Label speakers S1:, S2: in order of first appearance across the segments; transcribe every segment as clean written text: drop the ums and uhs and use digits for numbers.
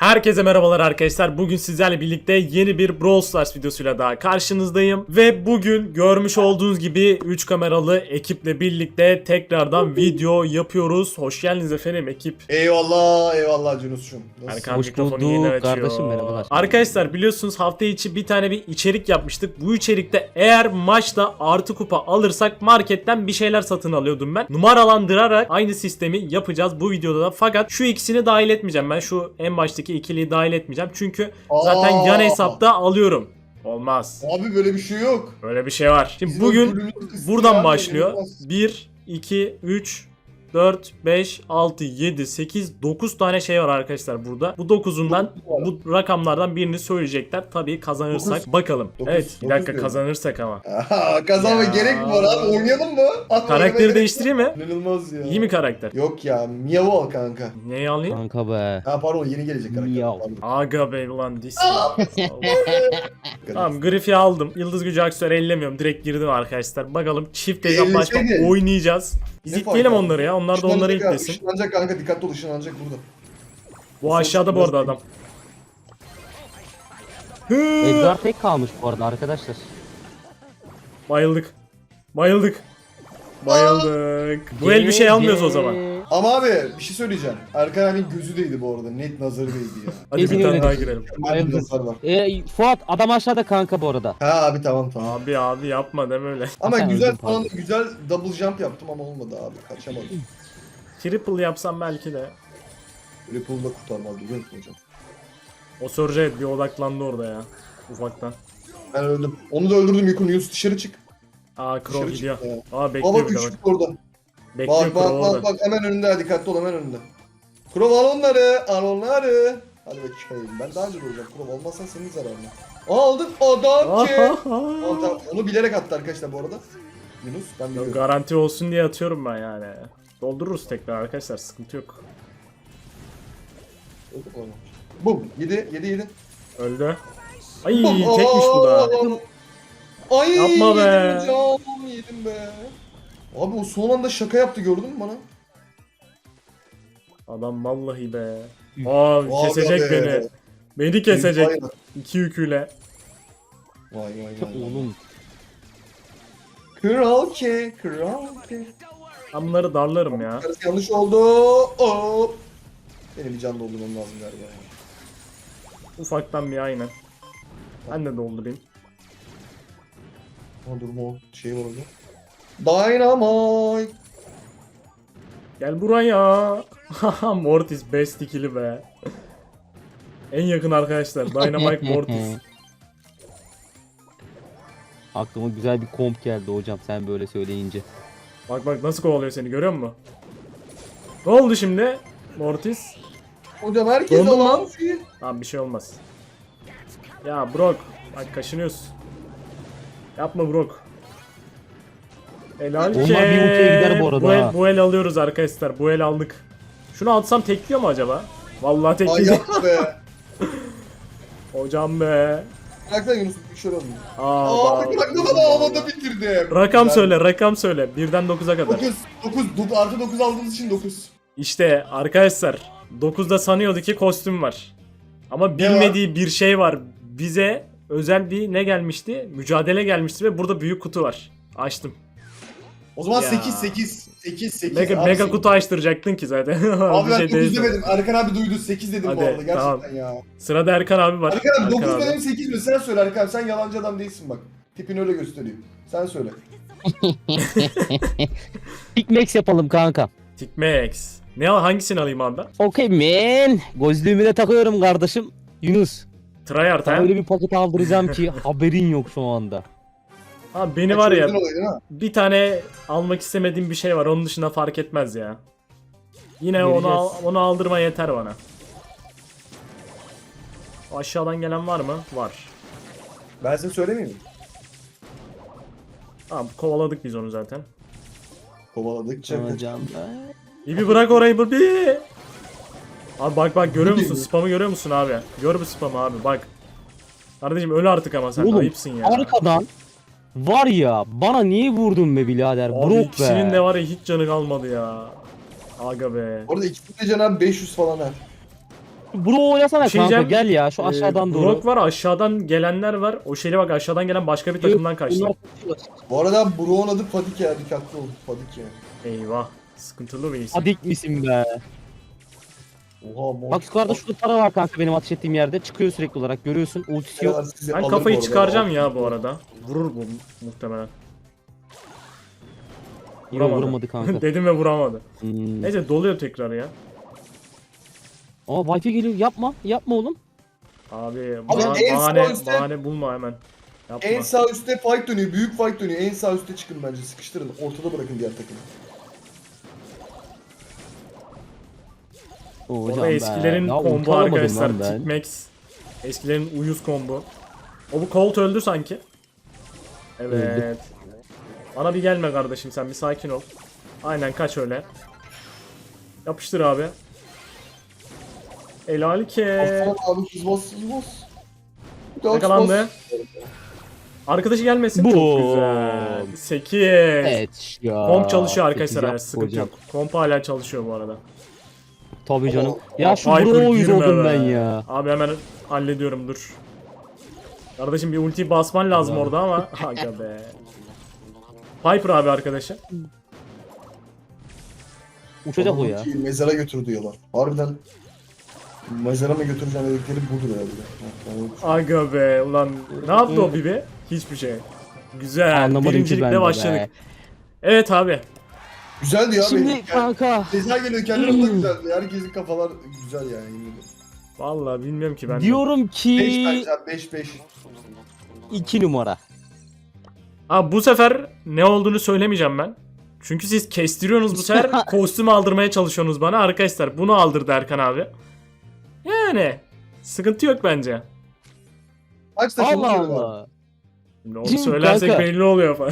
S1: Herkese merhabalar arkadaşlar. Bugün sizlerle birlikte yeni bir Brawl Stars videosuyla daha karşınızdayım. Ve bugün görmüş olduğunuz gibi 3 kameralı ekiple birlikte tekrardan video yapıyoruz. Hoş geldiniz efendim ekip.
S2: Eyvallah eyvallah Cunus'cum.
S1: Erkan
S3: Hoş
S1: mikrofonu
S3: bulduk
S1: yeni açıyor.
S3: kardeşim, merhabalar.
S1: Arkadaşlar biliyorsunuz hafta içi bir tane bir içerik yapmıştık. Bu içerikte eğer maçta artı kupa alırsak marketten bir şeyler satın alıyordum ben. Numaralandırarak aynı sistemi yapacağız bu videoda da. Fakat şu ikisini dahil etmeyeceğim. Ben şu en baştaki ikiliyi dahil etmeyeceğim. Çünkü zaten yan hesapta alıyorum. Olmaz.
S2: Abi böyle bir şey yok.
S1: Öyle bir şey var. Şimdi
S2: Bizim
S1: bugün
S2: bölümümüz kısmı
S1: buradan
S2: ya,
S1: başlıyor.
S2: inanılmaz.
S1: 1, 2, 3, 4, 5, 6, 7, 8, 9 tane şey var arkadaşlar burada. Bu 9'undan bu rakamlardan birini söyleyecekler. Tabii kazanırsak.
S2: Dokuz.
S1: Bakalım.
S2: Dokuz.
S1: Evet bir
S2: Dokuz
S1: dakika
S2: diyorum.
S1: kazanırsak ama.
S2: Aha, kazanma
S1: Ya.
S2: gerek mi var abi? Oynayalım mı? At
S1: Karakteri
S2: oynamaya
S1: değiştireyim mi?
S2: gerek yok. İnanılmaz ya.
S1: İyi mi karakter?
S2: Yok ya Miyavu al kanka.
S1: Neyi alayım?
S3: Kanka be.
S2: Ha pardon yeni gelecek karakter.
S3: Miyav.
S2: Pardon.
S1: Aga be ulan dis. Tamam Griff'i aldım. Yıldız gücü aksiyonu ellemiyorum. Direkt girdim arkadaşlar. Bakalım çift hesap başka
S2: Elleseydin.
S1: oynayacağız. Biz
S2: Ne
S1: itleyelim
S2: fark
S1: onları ya. Onlar da onları
S2: Işınlanacak abi,
S1: itlesin.
S2: Işınlanacak kanka dikkatli ol ışınlanacak burada.
S1: Bu aşağıda bu arada adam.
S3: Edgar tek kalmış bu arada arkadaşlar.
S1: Bayıldık. Bayıldık. Bayıldık. Bu el bir şey almıyoruz o zaman.
S2: Ama abi bir şey söyleyeceğim. Erkan abinin gözü değdi bu arada. Net nazarı değdi ya.
S1: Hadi bir
S3: Kesin
S1: tane
S3: öyle
S1: daha
S3: düşün.
S1: girelim.
S2: Hadi nazar var.
S3: Fuat adam aşağıda kanka bu arada.
S2: Ha abi tamam tamam.
S1: Abi yapma deme öyle.
S2: Ama
S3: Sen
S2: güzel
S3: öldün,
S2: falan
S3: pardon.
S2: güzel double jump yaptım ama olmadı abi. Kaçamadım.
S1: Triple yapsam belki de.
S2: Ripple'da kurtarmaz biliyor musun hocam?
S1: O Surge bir odaklandı orada ya. Ufaktan.
S2: Ben öldüm. Onu da öldürdüm Yukun. Yunus dışarı çık.
S1: Aa
S2: Dışarı
S1: Crow
S2: çık
S1: gidiyor.
S2: ya.
S1: Aa
S2: Aa
S1: bekliyor
S2: bak
S1: bir de bak.
S2: üçlük orada.
S1: Bekliyor
S2: Bak
S1: Crow
S2: bak bak
S1: orada.
S2: bak hemen önünde dikkatli ol hemen önünde. Kurov al onları al onları. Hadi bakayım ben daha önce de olacağım. Kurov olmazsan senin zararına. Aldık adam ki. Tamam, tamam. Onu bilerek attı arkadaşlar bu arada. Yunus ben biliyorum.
S1: Garanti olsun diye atıyorum ben yani. Doldururuz tekrar arkadaşlar sıkıntı yok.
S2: Bum 7.
S1: Öldü. Ay tekmiş bu da.
S2: Ay
S1: Yapma be.
S2: Yedim hocam yedim be. Abi o son anda şaka yaptı gördün mü bana?
S1: Adam vallahi be. Aa
S2: Vay
S1: kesecek
S2: be.
S1: beni. Beni kesecek.
S2: Vay
S1: İki yüküyle.
S2: vay.
S3: Oğlum.
S2: Kral ki, kral ki.
S1: Ben bunları darlarım ya.
S2: Yanlış oldu. Hop. Benim bir can doldurmam lazım galiba. ya.
S1: Ufaktan bir aynen. Ben de doldurayım.
S2: Ama durma o şey var orada. Dynamite.
S1: Gel buraya. Haha Mortis best ikili be. En yakın arkadaşlar. Dynamite Mortis.
S3: Aklıma güzel bir komp geldi hocam sen böyle söyleyince.
S1: Bak bak nasıl kovalıyor seni görüyor musun? Ne oldu şimdi? Mortis.
S2: Hocam herkes
S1: Dondun mu?
S2: alan.
S1: Tamam bir şey olmaz. Ya Brock. Bak kaşınıyorsun. Yapma Brock. Helal ki.
S3: Onlar bir ultiye gider bu arada ha.
S1: Bu el alıyoruz arkadaşlar. Bu el aldık. Şunu atsam tekliyor mu acaba? Vallahi
S2: Ay
S1: tekleyecek.
S2: yapma be.
S1: Hocam be.
S2: Bıraksan Yunus bir şey olmuyor.
S1: Aa,
S2: Aa bırak da havada bitirdim.
S1: Rakam
S2: Güzel.
S1: söyle, rakam söyle. 1'den 9'a kadar.
S2: 9 artı 9 aldığımız için 9.
S1: İşte arkadaşlar 9'da sanıyordu ki kostüm var. Ama bilmediği bir şey var. Bize özel bir ne gelmişti? Mücadele gelmişti ve burada büyük kutu var. Açtım.
S2: O zaman
S1: Ya.
S2: 8.
S1: Mega kutu açtıracaktın ki zaten.
S2: Abi
S1: Bir
S2: ben
S1: şey
S2: 9
S1: değil.
S2: demedim. Erkan abi duydu 8 dedim
S1: Hadi,
S2: bu arada gerçekten
S1: tamam.
S2: ya.
S1: Sırada Erkan abi var.
S2: Erkan abi 9
S1: abi.
S2: benim 8 mi? Sen söyle Erkan abi. Sen yalancı adam değilsin bak. Tipini öyle gösteriyor. Sen söyle.
S3: Big Max yapalım kanka.
S1: Tikmex. Ne hangisini alayım abi ben?
S3: Okey man. Gözlüğümü de takıyorum kardeşim. Yunus.
S1: Tryhard
S3: Sana
S1: ha?
S3: öyle bir paket aldıracağım ki haberin yok şu anda.
S1: Abi beni var ya
S2: Çözdün olayı, değil mi?
S1: bir tane almak istemediğim bir şey var. Onun dışında fark etmez ya. Yine
S3: Vereceğiz.
S1: onu aldırma yeter bana. Aşağıdan gelen var mı? Var.
S2: Ben size söylemeyeyim mi?
S1: Tamam kovaladık biz onu zaten.
S2: Kovaladıkça
S3: Hocam be.
S1: Bir bırak orayı bir. Abi bak görüyor
S2: Bu
S1: musun?
S2: değil mi?
S1: Spamı görüyor musun abi? Gör bu spamı abi bak. Kardeşim öl artık ama sen
S3: Oğlum,
S1: ayıpsın ya.
S3: Arkadan var ya bana niye vurdun be birader?
S1: Abi
S3: Brock
S1: ikisinin
S3: be.
S1: de var ya hiç canı kalmadı ya. Aga be.
S2: Orada ikisinin de canı abi 500 falan ha.
S3: Bro oynasana
S1: Bir şey
S3: kanka
S1: diyeceğim.
S3: gel ya şu aşağıdan doğru.
S1: Brock var, aşağıdan gelenler var. O şeyle bak, aşağıdan gelen başka bir takımdan kaçtı.
S3: Bunlar-
S2: Bu arada Bro'nun adı Fadik ya. Dikkatli olun. Fadik yani.
S1: Eyvah. Sıkıntılı bir isim.
S3: Adik misin be?
S2: Oha mor.
S3: Bak yukarıda şurada para var kanka benim ateş ettiğim yerde. Çıkıyor sürekli olarak görüyorsun. Ultisi yok.
S2: Sizi
S1: Ben
S2: alır
S1: kafayı
S2: bu arada.
S1: çıkaracağım ya bu arada. Vurur bu muhtemelen.
S3: Yok
S1: Vuramadı.
S3: vuramadı kanka.
S1: Dedim ve vuramadı.
S3: Hmm.
S1: Neyse doluyor tekrar ya.
S3: Aa Wi-Fi geliyor yapma. Yapma oğlum.
S1: Abi
S2: Abi en sağ
S1: bahane,
S2: üstte-
S1: bahane bulma hemen. Yapma.
S2: En sağ üstte fight dönüyor. Büyük fight dönüyor. En sağ üstte çıkın bence. Sıkıştırın. Ortada bırakın diğer takımı.
S3: Oo,
S1: O
S3: hocam
S1: da
S3: be.
S1: eskilerin
S3: Ya,
S1: combo
S3: unutamadım
S1: arkadaşlar.
S3: lan ben.
S1: Tikmax. Eskilerin uyuz combo. O bu Colt öldü sanki. Evet.
S3: Öldü.
S1: Bana bir gelme kardeşim, sen bir sakin ol. Aynen, kaç öyle. Yapıştır abi. Helal ki.
S2: Aslan abi hız bas hız bas. Bir daha hız
S1: Yakalandı.
S2: bas.
S1: Arkadaşı gelmesin.
S3: Bu.
S1: Çok güzel. 8.
S3: Evet ya.
S1: Komp çalışıyor arkadaşlar.
S3: Sekiz
S1: Yani
S3: yap
S1: sıkıntı
S3: hocam.
S1: yok. Komp hala çalışıyor bu arada.
S3: Tabii canım.
S2: Oo,
S3: Ya şu
S1: Viper
S3: bro uyuz
S1: girme
S3: oldum
S1: be.
S3: ben ya.
S1: Abi hemen hallediyorum, dur. Kardeşim bir ulti basman lazım
S3: Ya.
S1: orada ama. Aga be. Piper abi arkadaşı.
S3: Uçacak o
S2: Adamı
S3: ya.
S2: ki Mezara götür diyorlar. Harbiden mezara mı götüreceğim dedikleri budur herhalde.
S1: Aga be ulan, ne yaptı o Bibi? Hiçbir şey. Güzel.
S3: Anlamadım ki ben
S1: Birincilikle
S3: de
S1: başladık.
S3: be.
S1: Evet abi.
S2: Güzeldi ya benim.
S3: Şimdi kanka.
S2: Ceza geliyor kendine de güzeldi. Herkesin kafalar güzel yani. yemin ederim.
S1: Vallahi bilmiyorum ki ben de.
S3: Diyorum
S2: 5
S3: ki
S2: bence abi 5-5.
S3: 2 numara.
S1: Abi bu sefer ne olduğunu söylemeyeceğim ben. Çünkü siz kestiriyorsunuz bu sefer, kostüm aldırmaya çalışıyorsunuz bana. Arkadaşlar bunu aldırdı Erkan abi. Yani sıkıntı yok bence.
S2: Kaç takım
S3: Allah
S2: oluyor abi?
S3: Allah.
S1: Şimdi onu
S3: Şimdi
S1: söylersek
S3: kanka-
S1: belli oluyor falan.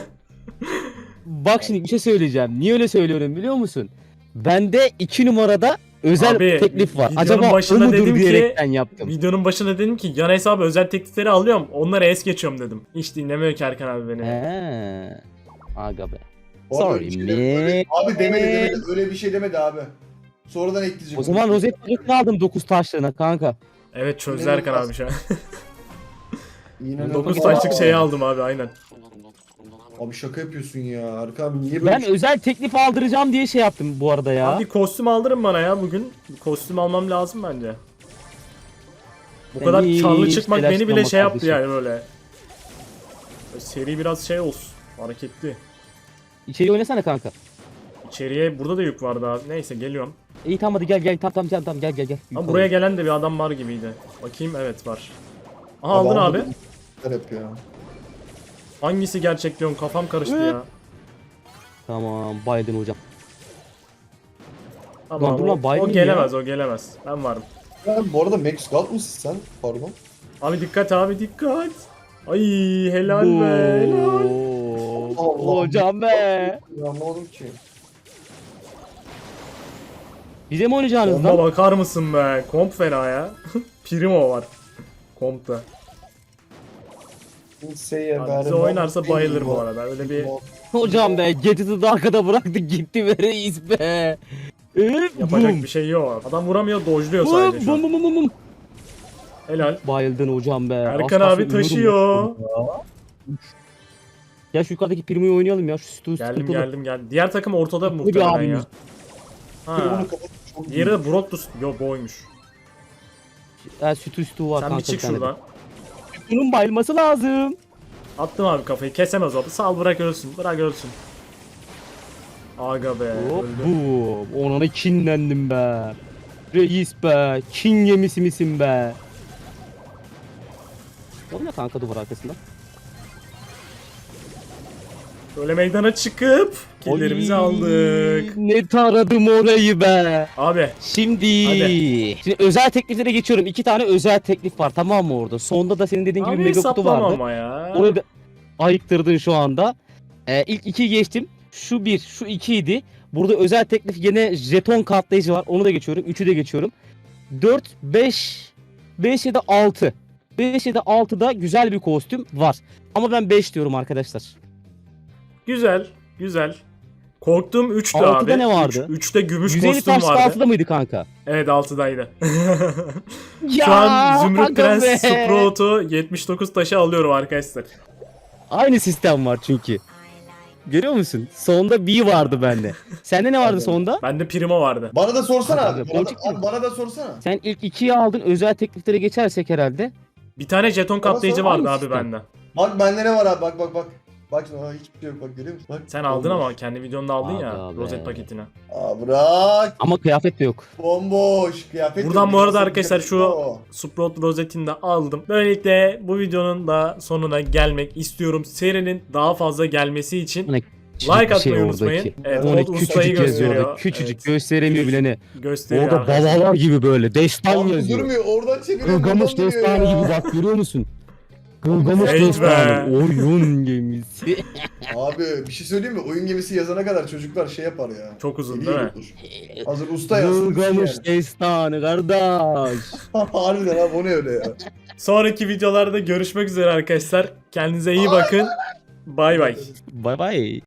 S3: Bak şimdi bir şey söyleyeceğim. Niye öyle söylüyorum biliyor musun? Bende 2 numarada özel
S1: Abi,
S3: teklif var.
S1: videonun
S3: Acaba o
S1: başında
S3: mudur
S1: dedim ki-
S3: diyerekten yaptım.
S1: Videonun başında dedim ki yan hesabı özel teklifleri alıyorum. Onlara es geçiyorum dedim. Hiç dinlemiyor ki Erkan abi beni.
S3: He. Aga be.
S2: Bu arada
S3: Sorry
S2: öyle bir
S3: me.
S2: şey- Abi demedi. Öyle bir şey demedi abi. Sonradan ekleyecek.
S3: O zaman rozet paletini aldım 9 taşlarına kanka.
S1: Evet, çözdü
S2: İnanılmaz.
S1: Erkan abi şu an.
S2: Yine
S1: 9
S2: Aa,
S1: taşlık şeyi aldım abi, aynen.
S2: Abi şaka yapıyorsun ya. Erkan abi niye böyle
S3: Ben
S2: bir şey-
S3: özel teklif aldıracağım diye şey yaptım bu arada ya.
S1: Abi kostüm aldırın bana ya bugün. Bir kostüm almam lazım bence. Bu
S3: Sen
S1: kadar
S3: hiç
S1: karlı çıkmak beni bile
S3: telaşlanma
S1: şey yaptı
S3: kardeşim.
S1: yani böyle. Böyle seri biraz şey olsun. Hareketli.
S3: İçeri oynasana kanka.
S1: İçeriye burada da yük vardı abi. Neyse geliyorum.
S3: İyi tamam hadi gel tamam gel.
S1: Ama buraya gelen de bir adam var gibiydi. Bakayım, evet var. Aha,
S2: Abi
S1: aldın
S2: aldım.
S1: abi.
S2: Hep ya.
S1: Hangisi gerçek diyorsun, kafam karıştı ya.
S3: Tamam baydın hocam.
S1: Tamam,
S3: dur lan,
S1: o
S3: baymayayım
S1: gelemez, o gelemez. Ben varım.
S2: Ya bu arada Max Gold mısın sen? Pardon.
S1: Abi dikkat, abi dikkat. Ay helal be, helal.
S2: Allah.
S3: Hocam be.
S2: Ya anlamadım ki.
S3: Bize mi oynayacaksınız
S1: Komba
S3: lan?
S1: bakar mısın be? Komp fena ya. Primo var. Kompta.
S2: Kimseye
S1: Abi bize oynarsa bayılır bu arada. Öyle bir
S3: Hocam be Getit'i de arkada bıraktık gitti be reis be.
S1: yapacak bir şey yok. Adam vuramıyor, dojluyor sadece şu an.
S3: Bum.
S1: Helal.
S3: Bayıldın hocam be.
S1: Erkan
S3: Az
S1: abi
S3: kalsın
S1: taşıyor.
S3: ölüyordum ya. Ya şu yukarıdaki Primo'yu oynayalım ya. Şu sütü
S1: Geldim. Diğer takım ortada
S3: bir
S1: muhtemelen ya.
S3: abimiz.
S1: Ha. Diğeri de Brotus. Yo, boymuş.
S3: Sütü var
S1: Sen
S3: kanka.
S1: bir çık
S3: bir tane de.
S1: şuradan.
S3: Bunun bayılması lazım.
S1: Attım abi kafayı. Kesemez o. Sal, bırak ölsün. Bırak ölsün. Aga be.
S3: Hop
S1: Öldü.
S3: bu. Ona da kinlendim be. Reis be. Kin yemisi misin be? O ne kanka duvar arkasında?
S1: Böyle meydana çıkıp killerimizi
S3: Oy,
S1: aldık.
S3: Ne taradım orayı be.
S1: Abi
S3: Şimdi.
S1: Hadi.
S3: Şimdi özel tekliflere geçiyorum. 2 tane özel teklif var tamam mı orada? Sonda da senin dediğin gibi
S1: abi
S3: mega kutu
S1: hesaplama
S3: vardı.
S1: ama ya.
S3: Onu da ayıktırdın şu anda. İlk 2'yi geçtim. Şu 1, şu 2 idi. Burada özel teklif yine jeton katlayıcı var. Onu da geçiyorum. 3'ü de geçiyorum. 4, 5, 5 ya da 6. 5 ya da 6'da güzel bir kostüm var. Ama ben 5 diyorum arkadaşlar.
S1: Güzel. Korktuğum 3'tü
S3: Altıda
S1: abi.
S3: ne vardı?
S1: 3'te gümüş
S3: 150
S1: kostüm
S3: taş
S1: vardı.
S3: 6'da mıydı kanka?
S1: Evet 6'daydı.
S3: Ya,
S1: Şu an Zümrüt
S3: aga
S1: Prens
S3: be.
S1: Sprout'u 79 taşı alıyorum arkadaşlar.
S3: Aynı sistem var çünkü. Görüyor musun? Sonda B vardı bende. Sende ne vardı
S2: Abi.
S3: sonda?
S1: Bende Primo vardı.
S2: Bana da sorsana
S3: Hadi
S2: abi.
S3: abi,
S2: Bana da,
S3: boncuk gibi.
S2: abi bana da sorsana.
S3: Sen ilk 2'yi aldın. Özel tekliflere geçersek herhalde.
S1: Bir tane jeton kaplayıcı vardı
S3: aynı
S1: abi
S3: sistem.
S1: bende.
S2: Bak bende ne var abi bak bak bak. Bak şimdi hiçbir şey yok bak görüyor musun? Bak.
S1: Sen aldın
S2: Bomboş.
S1: ama kendi videonda aldın ya
S3: Aga be.
S1: rozet paketini.
S2: Aa bırak.
S3: Ama kıyafet de yok.
S2: Bomboş. Kıyafet
S1: Buradan
S2: yok.
S1: bu arada
S2: Nasıl
S1: arkadaşlar
S2: kıyafet
S1: şu
S2: o?
S1: Sprout rozetini de aldım. Böylelikle bu videonun da sonuna gelmek istiyorum. Serinin daha fazla gelmesi için
S3: Hani
S1: like atmayı unutmayın. Evet,
S3: Onu
S1: Old ustayı
S3: küçücük yazıyor
S1: gösteriyor.
S3: orada. Küçücük
S1: Evet,
S3: gösteremiyor bile ne.
S1: gösteriyor
S3: Orada
S1: arkadaşlar.
S3: babalar gibi böyle. Destan
S2: Abi
S3: yazıyor.
S2: durmuyor. Oradan çeviriyor.
S3: Gılgamış
S2: buradan dönüyor
S3: destanı
S2: ya.
S3: gibi bak görüyor musun? Gılgamış
S1: Evet be.
S3: destanı. Oyun gemisi.
S2: Abi bir şey söyleyeyim mi? Oyun gemisi yazana kadar çocuklar şey yapar ya.
S1: Çok uzun
S2: Eli
S1: değil mi?
S2: yorulur. Hazır usta yazsın.
S3: Gılgamış
S2: Yani.
S3: destanı kardeş.
S2: Harbiden abi o ne öyle ya.
S1: Sonraki videolarda görüşmek üzere arkadaşlar. Kendinize iyi bakın. Bay bay.
S3: Bay bay.